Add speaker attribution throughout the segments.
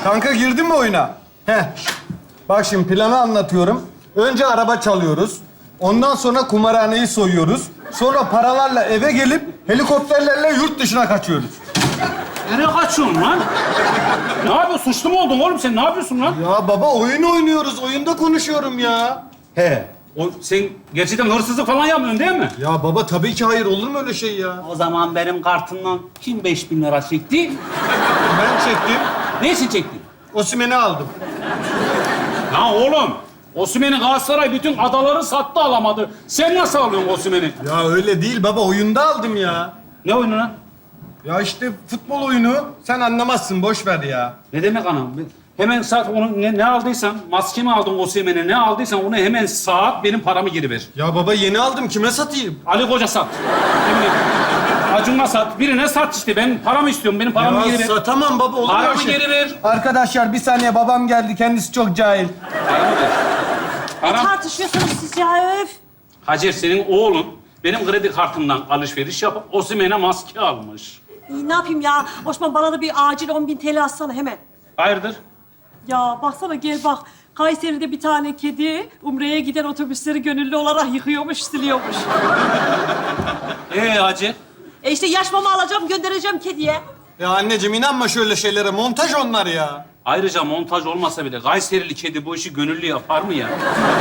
Speaker 1: Kanka girdin mi oyuna? Heh. Bak şimdi planı anlatıyorum. Önce araba çalıyoruz. Ondan sonra kumarhaneyi soyuyoruz. Sonra paralarla eve gelip helikopterlerle yurt dışına kaçıyoruz.
Speaker 2: Nereye kaçıyorsun lan? Ne yapıyorsun? Suçlu mu oldun oğlum sen? Ne yapıyorsun lan?
Speaker 1: Ya baba oyun oynuyoruz. Oyunda konuşuyorum ya. He.
Speaker 2: Sen gerçekten hırsızlık falan yapmıyorsun değil mi?
Speaker 1: Ya baba tabii ki hayır. Olur mu öyle şey ya?
Speaker 2: O zaman benim kartımdan kim 5000 lira çekti?
Speaker 1: Ben çektim.
Speaker 2: Ne için çektin?
Speaker 1: Osimhen'i aldım.
Speaker 2: Lan oğlum, Osimhen'i Galatasaray bütün adaları sattı alamadı. Sen nasıl alıyorsun Osimhen'i?
Speaker 1: Ya öyle değil baba. Oyunda aldım ya.
Speaker 2: Ne oyunu lan?
Speaker 1: Ya işte futbol oyunu. Sen anlamazsın. Boş ver ya.
Speaker 2: Ne demek anam? Hemen saat onu ne aldıysan, maske mi aldın Osimhen'e, ne aldıysan onu hemen saat benim paramı geri ver.
Speaker 1: Ya baba yeni aldım. Kime satayım?
Speaker 2: Ali Koca sat. Ne bileyim. Acun'a sat. Birine sat işte. Ben paramı istiyorum. Benim paramı geri ver.
Speaker 1: Satamam baba. Olur mu
Speaker 2: Paramı
Speaker 1: öyle şey?
Speaker 2: geri ver.
Speaker 1: Arkadaşlar bir saniye babam geldi. Kendisi çok cahil.
Speaker 2: Paramı ver.
Speaker 3: Ne
Speaker 2: Param.
Speaker 3: tartışıyorsunuz siz ya öf?
Speaker 2: Hacer senin oğlun benim kredi kartımdan alışveriş yapıp Osimhen'e maske almış.
Speaker 3: İyi, ne yapayım ya? Osman bana da bir acil 10.000 TL atsana hemen.
Speaker 2: Hayırdır?
Speaker 3: Ya baksana gel bak. Kayseri'de bir tane kedi Umre'ye giden otobüsleri gönüllü olarak yıkıyormuş, siliyormuş.
Speaker 2: Hacer?
Speaker 3: İşte yaş mama alacağım, göndereceğim kediye.
Speaker 1: Ya anneciğim inanma şöyle şeylere. Montaj onlar ya.
Speaker 2: Ayrıca montaj olmasa bile Kayserili kedi bu işi gönüllü yapar mı ya?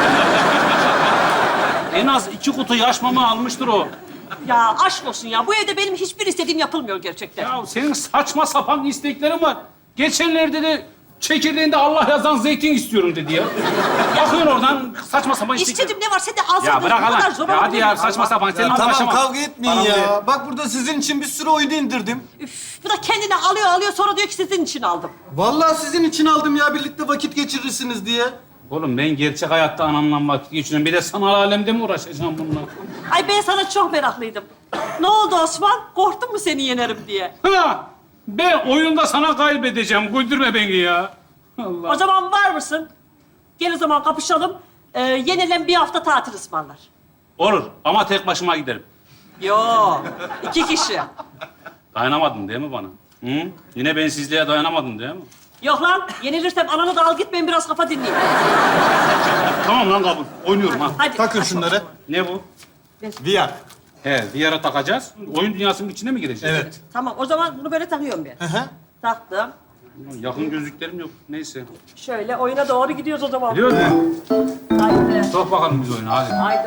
Speaker 2: En az 2 kutu yaş mama almıştır o.
Speaker 3: Ya aşk olsun ya. Bu evde benim hiçbir istediğim yapılmıyor gerçekten.
Speaker 2: Ya senin saçma sapan isteklerin var. Geçenlerde de çekirdeğinde Allah yazan zeytin istiyorum dedi ya. Bakıyorsun oradan saçma sapan istekler.
Speaker 3: İstediğim ne var sen de alsana.
Speaker 2: Ya bırak
Speaker 3: Bu kadar
Speaker 2: Allah.
Speaker 3: zor
Speaker 2: Ya hadi
Speaker 3: olabilir
Speaker 2: ya
Speaker 3: mi?
Speaker 2: saçma sapan. Seninle
Speaker 1: Tamam
Speaker 2: uğraşamam.
Speaker 1: kavga etmeyin
Speaker 2: Bana
Speaker 1: ya.
Speaker 2: ver.
Speaker 1: Bak burada sizin için bir sürü oyunu indirdim.
Speaker 3: Üf, bu da kendine alıyor sonra diyor ki sizin için aldım.
Speaker 1: Vallahi sizin için aldım ya. Birlikte vakit geçirirsiniz diye.
Speaker 2: Oğlum ben gerçek hayatta anamla vakit geçiriyorum. Bir de sanal alemde mi uğraşacağım bununla?
Speaker 3: Ay ben sana çok meraklıydım. Ne oldu Osman? Korktun mu seni yenerim diye?
Speaker 2: Ha! Ben oyunda sana kaybedeceğim. Güldürme beni ya. Allah.
Speaker 3: O zaman var mısın? Gel o zaman kapışalım. Yenilen bir hafta tatil ısmarlar.
Speaker 2: Olur ama tek başıma giderim.
Speaker 3: Yo, 2 kişi.
Speaker 2: Dayanamadın değil mi bana? Hı? Yine bensizliğe dayanamadın değil mi?
Speaker 3: Yok lan, yenilirsem ananı da al git ben biraz kafa dinleyeyim.
Speaker 2: Tamam lan kabul. Oynuyorum ha.
Speaker 3: Hadi.
Speaker 1: Takın şunları.
Speaker 2: Ne bu?
Speaker 1: VR.
Speaker 2: He, bir yere takacağız. Oyun dünyasının içine mi gireceğiz?
Speaker 1: Evet.
Speaker 3: Tamam, o zaman bunu böyle takıyorum ben.
Speaker 1: Hı hı.
Speaker 3: Taktım.
Speaker 2: Yakın gözlüklerim yok. Neyse.
Speaker 3: Şöyle oyuna doğru gidiyoruz o zaman.
Speaker 2: Biliyor musun?
Speaker 3: Haydi.
Speaker 2: Sok bakalım biz oyunu hadi.
Speaker 3: Haydi.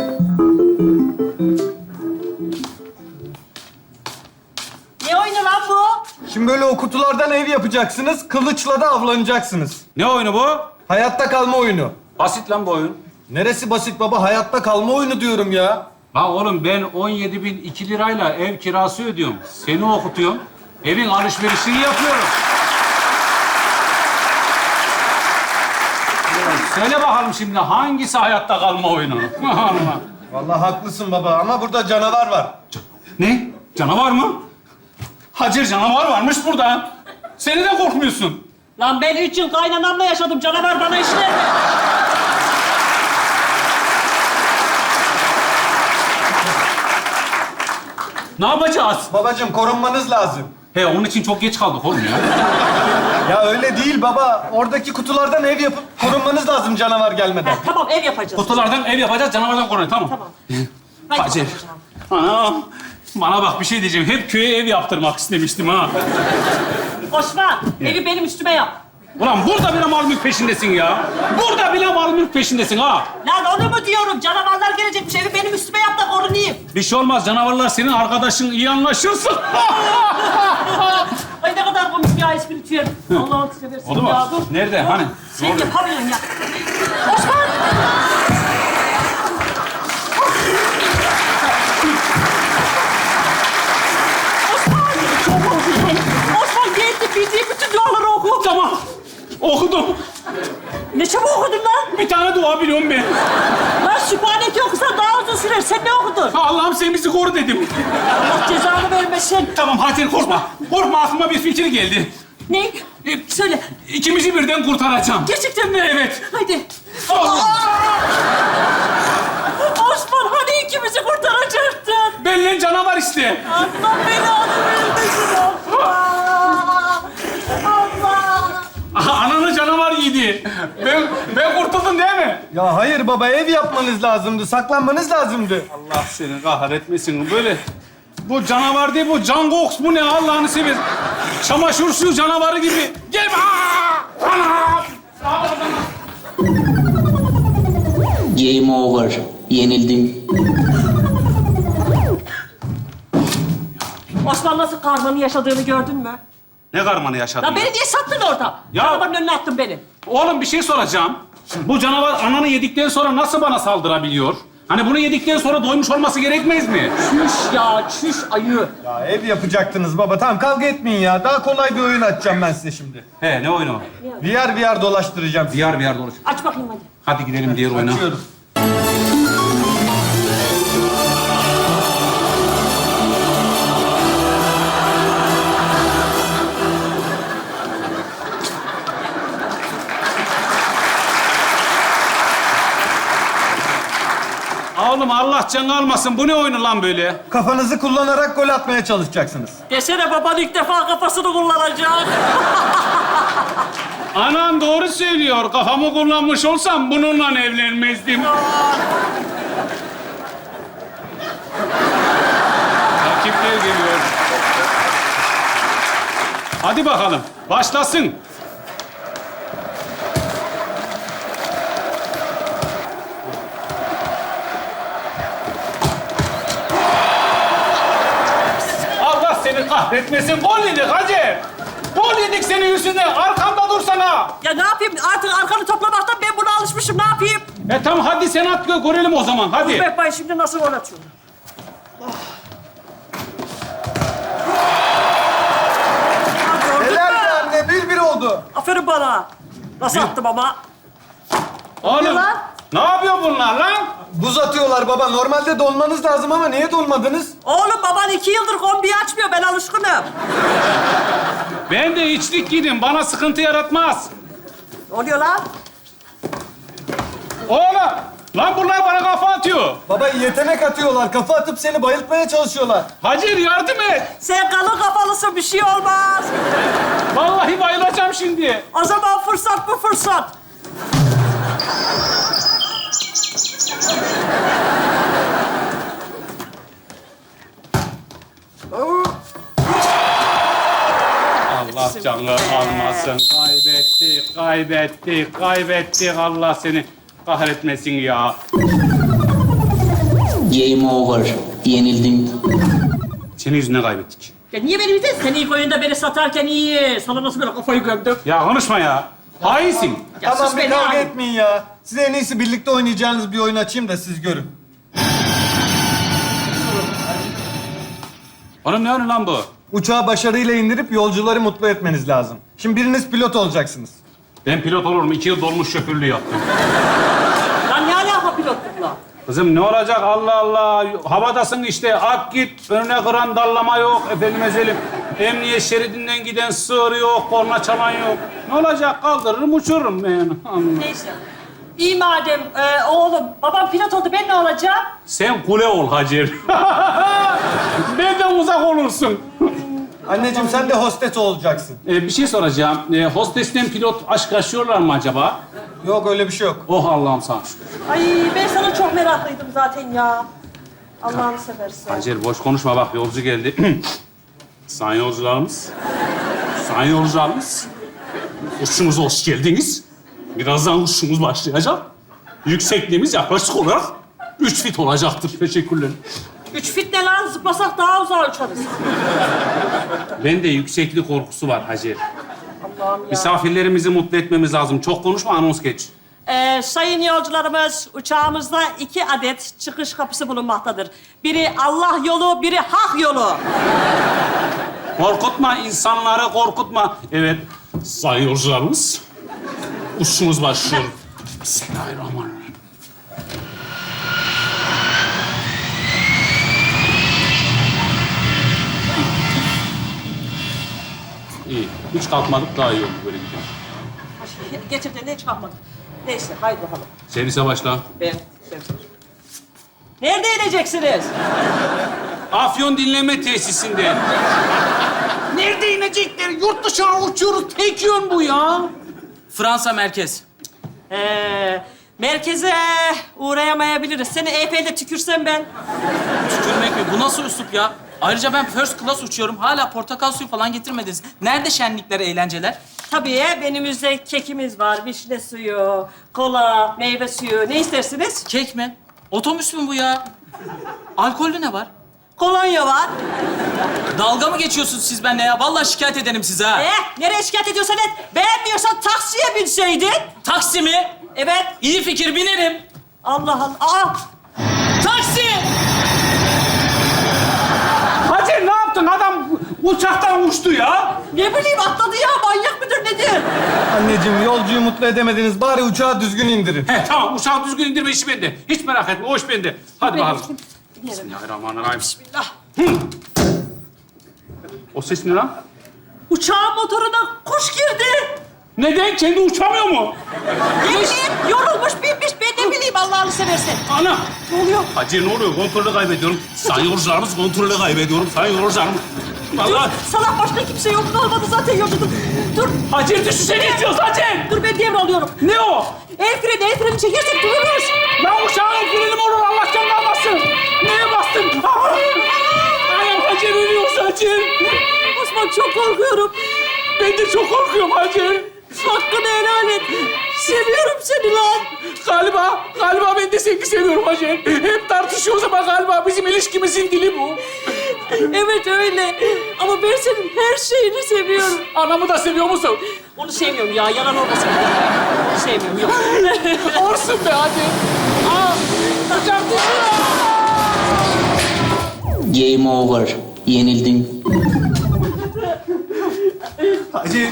Speaker 3: Ne oyunu lan bu?
Speaker 1: Şimdi böyle o kutulardan ev yapacaksınız. Kılıçla da avlanacaksınız.
Speaker 2: Ne oyunu bu?
Speaker 1: Hayatta kalma oyunu.
Speaker 2: Basit lan bu oyun.
Speaker 1: Neresi basit baba? Hayatta kalma oyunu diyorum ya.
Speaker 2: Lan oğlum ben 17.002 lirayla ev kirası ödüyorum. Seni okutuyorum. Evin alışverişini yapıyorum. Söyle bakalım şimdi hangisi hayatta kalma oyunu? Allah.
Speaker 1: Vallahi haklısın baba ama burada canavar var.
Speaker 2: Ne? Canavar mı? Hacer canavar varmış burada. Seni de korkmuyorsun.
Speaker 3: Lan ben 3 yıl kaynanamla yaşadım. Canavar bana işler mi?
Speaker 2: Ne yapacağız?
Speaker 1: Babacığım korunmanız lazım.
Speaker 2: He onun için çok geç kaldık oğlum ya.
Speaker 1: Ya öyle değil baba. Oradaki kutulardan ev yapıp korunmanız lazım canavar gelmeden.
Speaker 3: Tamam ev yapacağız.
Speaker 2: Kutulardan ev yapacağız, canavardan koruyun. Tamam.
Speaker 3: Tamam. Haydi
Speaker 2: Hacer.
Speaker 3: bakalım.
Speaker 2: Anam. Bana bak bir şey diyeceğim. Hep köye ev yaptırmak istemiştim ha.
Speaker 3: Osman, evi benim üstüme yap.
Speaker 2: Ulan burada bile mal mülk peşindesin ya. Burada bile mal mülk peşindesin ha.
Speaker 3: Lan onu mu diyorum? Canavarlar gelecekmiş. Evi benim üstüme yap da korunayım.
Speaker 2: Bir şey olmaz. Canavarlar senin arkadaşın. İyi anlaşırsın.
Speaker 3: Ay ne kadar komik ya espritüel. Allah'ını seversin
Speaker 2: Oldu mu?
Speaker 3: ya. Dur.
Speaker 2: Nerede?
Speaker 3: Dur.
Speaker 2: Hani?
Speaker 3: Sen
Speaker 2: Ne oluyor?
Speaker 3: yapamıyorsun ya. Osman! Osman geldi. Bildiği bütün duaları oku.
Speaker 2: Tamam. Okudum.
Speaker 3: Ne çabuk okudun lan?
Speaker 2: Bir tane dua biliyorum ben.
Speaker 3: Lan Sübhaneke okusan daha uzun sürer. Sen ne okudun?
Speaker 2: Allah'ım sen bizi koru dedim.
Speaker 3: Allah cezanı vermesin.
Speaker 2: Tamam Hacer korkma. Korkma aklıma bir fikir geldi.
Speaker 3: Ne? Söyle.
Speaker 2: İkimizi birden kurtaracağım.
Speaker 3: Gerçekten mi?
Speaker 2: Evet.
Speaker 3: Haydi.
Speaker 2: Allah.
Speaker 3: Osman hani ikimizi kurtaracaktın?
Speaker 2: Benden canavar iste.
Speaker 3: Allah belanı vermesin Allah. Allah.
Speaker 2: gitti. Ben kurtuldum değil mi?
Speaker 1: Ya hayır baba, ev yapmanız lazımdı, saklanmanız lazımdı.
Speaker 2: Allah seni kahretmesin. Böyle bu canavar değil, bu Can Gox bu ne Allah'ını seversen. Çamaşır suyu canavarı gibi. Gel. Anam.
Speaker 4: Game over. Yenildin.
Speaker 3: Osman nasıl karmanın yaşadığını gördün mü?
Speaker 2: Ne karmanı yaşadın?
Speaker 3: Ya beni niye sattın orada?
Speaker 2: Ya-
Speaker 3: Arabanın önüne attın beni.
Speaker 2: Oğlum bir şey soracağım. Bu canavar ananı yedikten sonra nasıl bana saldırabiliyor? Hani bunu yedikten sonra doymuş olması gerekmez mi?
Speaker 3: Çüş ya, çüş ayı.
Speaker 1: Ya ev yapacaktınız baba, tamam kavga etmeyin ya. Daha kolay bir oyun açacağım ben size şimdi.
Speaker 2: He ne oyunu?
Speaker 1: VR dolaştıracağım sizi.
Speaker 2: VR dolaş.
Speaker 3: Aç bakayım hadi.
Speaker 2: Hadi gidelim diğer oyuna.
Speaker 1: Açıyorum.
Speaker 2: Oğlum Allah canı almasın. Bu ne oyunu lan böyle?
Speaker 1: Kafanızı kullanarak gol atmaya çalışacaksınız.
Speaker 3: Desene baban ilk defa kafasını kullanacak.
Speaker 2: Anan doğru söylüyor. Kafamı kullanmış olsam bununla evlenmezdim. Rakipler geliyor. Hadi bakalım. Başlasın. Allah seni kahretmesin. Gol yedik hacı. Gol yedik senin yüzünden. Arkamda dursana.
Speaker 3: Ya ne yapayım? Artık arkanı toplamaktan ben buna alışmışım. Ne yapayım?
Speaker 2: Tamam hadi sen at görelim o zaman. Hadi.
Speaker 3: Bek Bay şimdi nasıl gol atıyor? Gördün
Speaker 1: Helal
Speaker 3: mü?
Speaker 1: be anne, 1-1 oldu.
Speaker 3: Aferin bana. Nasıl attım ama?
Speaker 2: Oğlum
Speaker 3: lan?
Speaker 2: ne yapıyor bunlar lan?
Speaker 1: Buz atıyorlar baba. Normalde donmanız lazım ama niye donmadınız?
Speaker 3: Oğlum baban 2 yıldır kombiyi açmıyor. Ben alışkınım.
Speaker 2: Ben de içlik giydim. Bana sıkıntı yaratmaz.
Speaker 3: Ne oluyor lan?
Speaker 2: Oğlum lan bunlar bana kafa atıyor.
Speaker 1: Baba yetenek atıyorlar. Kafa atıp seni bayıltmaya çalışıyorlar.
Speaker 2: Hacer yardım et.
Speaker 3: Sen kalın kafalısın. Bir şey olmaz.
Speaker 2: Vallahi bayılacağım şimdi.
Speaker 3: O zaman fırsat bu fırsat.
Speaker 2: Allah canı almasın. Kaybettik. Allah seni kahretmesin ya.
Speaker 4: Game over. Yenildin.
Speaker 2: Senin yüzünden kaybettik.
Speaker 3: Ya niye beni bildin? Sen ilk oyunda beni satarken iyi. Sana nasıl böyle kafayı gömdüm?
Speaker 2: Ya konuşma ya. Hainsin.
Speaker 3: Ya
Speaker 1: Tamam
Speaker 3: sus
Speaker 1: bir
Speaker 3: beni
Speaker 1: kavga
Speaker 3: abi.
Speaker 1: etmeyin ya. Size en iyisi birlikte oynayacağınız bir oyun açayım da siz görün.
Speaker 2: Oğlum ne oyunu lan bu?
Speaker 1: Uçağı başarıyla indirip yolcuları mutlu etmeniz lazım. Şimdi biriniz pilot olacaksınız.
Speaker 2: Ben pilot olurum. 2 yıl dolmuş şoförlüğü yaptım.
Speaker 3: Lan ne alaka pilotlukla?
Speaker 2: Kızım ne olacak Allah Allah. Havadasın işte. Ak git. Önüne kıran dallama yok. Efendim ezelim. Emniyet şeridinden giden sığır yok. Korna çalan yok. Ne olacak? Kaldırırım uçururum ben. Allah.
Speaker 3: Neyse. İyi madem oğlum. Babam pilot oldu. Ben ne olacağım?
Speaker 2: Sen kule ol Hacer. Benden uzak olursun.
Speaker 1: Anneciğim sen de hostes olacaksın.
Speaker 2: Bir şey soracağım. Hostesten pilot aşk yaşıyorlar mı acaba?
Speaker 1: Yok öyle bir şey yok.
Speaker 2: Oh Allah'ım sana şükür.
Speaker 3: Ay ben sana çok meraklıydım zaten ya. Allah'ını seversen.
Speaker 2: Hacer boş konuşma bak yolcu geldi. Sayın yolcularımız. Sayın yolcularımız. Uçuşumuza hoş geldiniz. Birazdan uçuşumuz başlayacak. Yüksekliğimiz yaklaşık olarak 3 fit olacaktır. Teşekkürler.
Speaker 3: 3 fit ne lan? Zıplasak daha uzağa uçarız.
Speaker 2: Bende yükseklik korkusu var Hacer.
Speaker 3: Allah'ım ya.
Speaker 2: Misafirlerimizi mutlu etmemiz lazım. Çok konuşma, anons geç.
Speaker 3: Sayın yolcularımız, uçağımızda 2 adet çıkış kapısı bulunmaktadır. Biri Allah yolu, biri hak yolu.
Speaker 2: Korkutma, insanları korkutma. Evet, sayın yolcularımız, uçuşumuz başlıyor. Bismillahirrahmanirrahim. İyi, hiç kalkmadık daha iyi oldu böyle gidiyor.
Speaker 3: Gerçekten de hiç kalkmadık. Neyse, haydi bakalım.
Speaker 2: Servise başla.
Speaker 3: Ben. Nerede ineceksiniz?
Speaker 2: Afyon dinleme tesisinde. Nerede inecekler? Yurt dışına uçuyoruz. Tek yön bu ya.
Speaker 5: Fransa merkez.
Speaker 3: Merkeze uğrayamayabiliriz. Seni EP'de tükürsem ben.
Speaker 5: Tükürmek mi? Bu nasıl üslup ya? Ayrıca ben first class uçuyorum. Hala portakal suyu falan getirmediniz. Nerede şenlikler, eğlenceler?
Speaker 3: Tabii menümüzde kekimiz var, vişne suyu, kola, meyve suyu. Ne istersiniz?
Speaker 5: Kek mi? Otobüs mü bu ya? Alkollü ne var?
Speaker 3: Kolonya var.
Speaker 5: Dalga mı geçiyorsunuz siz benimle ya? Vallahi şikayet ederim size ha.
Speaker 3: Nereye şikayet ediyorsan et. Beğenmiyorsan taksiye binseydin.
Speaker 5: Taksi mi?
Speaker 3: Evet.
Speaker 5: İyi fikir, binerim.
Speaker 3: Allah Allah. Aa!
Speaker 5: Taksi!
Speaker 2: Hacer ne yaptın? Adam uçaktan uçtu ya.
Speaker 3: Ne bileyim atladı ya. Manyak mıdır nedir?
Speaker 1: Anneciğim yolcuyu mutlu edemediniz. Bari uçağı düzgün indirin.
Speaker 2: He tamam uçağı düzgün indirme işi bende. Hiç merak etme o iş bende. Hadi bakalım.
Speaker 3: Binerim.
Speaker 2: Bismillahirrahmanirrahim.
Speaker 3: Bismillah.
Speaker 2: O ses ne lan?
Speaker 3: Uçağın motoruna kuş girdi.
Speaker 2: Neden? Kendi uçamıyor mu?
Speaker 3: Ne bileyim yorulmuş binmiş. Ben ne bileyim Allah'ını seversen.
Speaker 2: Ana!
Speaker 3: Ne oluyor?
Speaker 2: Hacer ne oluyor? Kontrolü kaybediyorum. Sayın yolcularımız kontrolü kaybediyorum. Sayın yolcularımız.
Speaker 3: Dur.
Speaker 2: Vallahi.
Speaker 3: Salak başka kimse yok. Ne olmadı zaten yolcudum. Dur.
Speaker 2: Hacer düşünsene istiyoruz Hacer.
Speaker 3: Dur ben devralıyorum.
Speaker 2: Ne o?
Speaker 3: El freni çekersek dururuz.
Speaker 2: Ben uçağın freni mi olur Allah'tan kalmasın. Neye bastın? Ayağım Hacer ölüyoruz Hacer.
Speaker 3: Osman çok korkuyorum.
Speaker 2: Ben de çok korkuyorum Hacer.
Speaker 3: Hakkını helal et. Seviyorum seni lan.
Speaker 2: Galiba ben de seni seviyorum Hacer. Hep tartışıyoruz ama galiba bizim ilişkimizin dili bu.
Speaker 3: Evet öyle. Ama ben senin her şeyini seviyorum.
Speaker 2: Anamı da seviyor musun?
Speaker 3: Onu sevmiyorum ya. Yalan olmasın. Onu sevmiyorum. Yok.
Speaker 2: Olsun be Hacer. Aa, uçak düşüyor.
Speaker 4: Game over. Yenildin.
Speaker 1: Hacı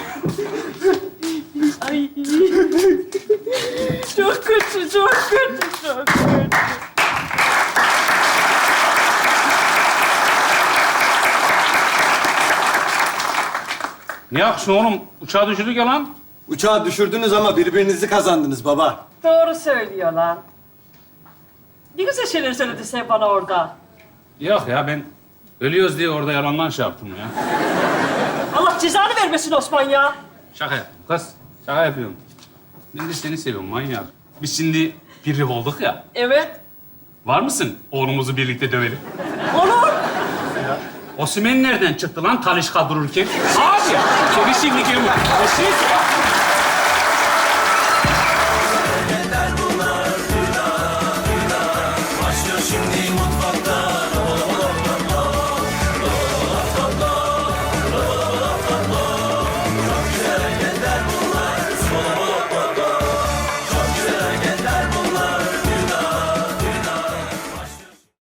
Speaker 3: Ay. Çok kötü, çok kötü, çok kötü.
Speaker 2: Ne yapsın oğlum? Uçağı düşürdük ya lan.
Speaker 1: uçağı düşürdünüz ama birbirinizi kazandınız baba.
Speaker 3: Doğru söylüyor lan. Ne güzel şeyler söyledin sen bana orada.
Speaker 2: Yok ya ben ölüyoruz diye orada yalandan şey yaptım ya.
Speaker 3: Allah cezanı vermesin Osman ya.
Speaker 2: Şaka yaptım kız. Şaka yapıyorum. Ben de seni seviyorum manyak. Biz şimdi bir olduk ya.
Speaker 3: Evet.
Speaker 2: Var mısın oğlumuzu birlikte dövelim?
Speaker 3: Olur.
Speaker 2: Osimhen nereden çıktı lan Talişka dururken? Abi! Seni şimdi gelin.